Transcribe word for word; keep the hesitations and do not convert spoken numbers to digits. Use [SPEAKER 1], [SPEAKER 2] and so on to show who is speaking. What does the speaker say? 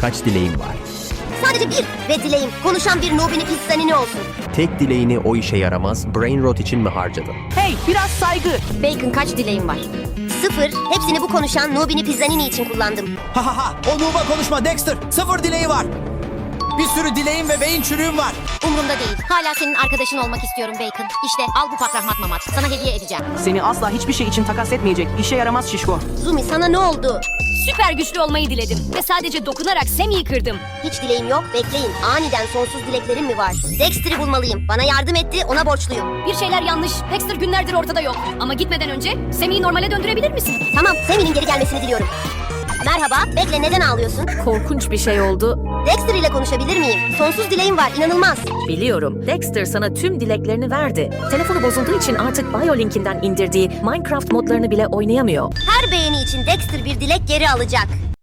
[SPEAKER 1] Kaç dileğin var?
[SPEAKER 2] Sadece bir ve dileğim konuşan bir Nubini pizzanini olsun.
[SPEAKER 1] Tek dileğini o işe yaramaz brain rot için mi harcadın?
[SPEAKER 3] Hey, biraz saygı.
[SPEAKER 2] Bacon kaç dileğim var? Sıfır. Hepsini bu konuşan Nubini pizzanini için kullandım.
[SPEAKER 4] Ha ha ha, o Nuba konuşma Dexter. Sıfır dileği var. Bir sürü dileğim ve beyin çürüğüm var.
[SPEAKER 2] Umurumda değil. Hala senin arkadaşın olmak istiyorum Bacon. İşte al bu pakrahmat mamat. Sana hediye edeceğim.
[SPEAKER 3] Seni asla hiçbir şey için takas etmeyecek. İşe yaramaz şişko.
[SPEAKER 2] Zumi sana ne oldu?
[SPEAKER 5] Süper güçlü olmayı diledim ve sadece dokunarak Sammy'yi kırdım.
[SPEAKER 2] Hiç dileğim yok. Bekleyin. Aniden sonsuz dileklerim mi var? Dexter'i bulmalıyım. Bana yardım etti. Ona borçluyum.
[SPEAKER 5] Bir şeyler yanlış. Dexter günlerdir ortada yok. Ama gitmeden önce Sammy'yi normale döndürebilir misin?
[SPEAKER 2] Tamam. Sammy'nin geri gelmesini diliyorum. Merhaba. Bekle, neden ağlıyorsun?
[SPEAKER 6] Korkunç bir şey oldu.
[SPEAKER 2] Dexter ile konuşabilir miyim? Sonsuz dileğim var. İnanılmaz.
[SPEAKER 6] Biliyorum. Dexter sana tüm dileklerini verdi. Telefonu bozulduğu için artık BioLink'inden indirdiği Minecraft modlarını bile oynayamıyor.
[SPEAKER 2] Her beğeni için Dexter bir dilek geri alacak.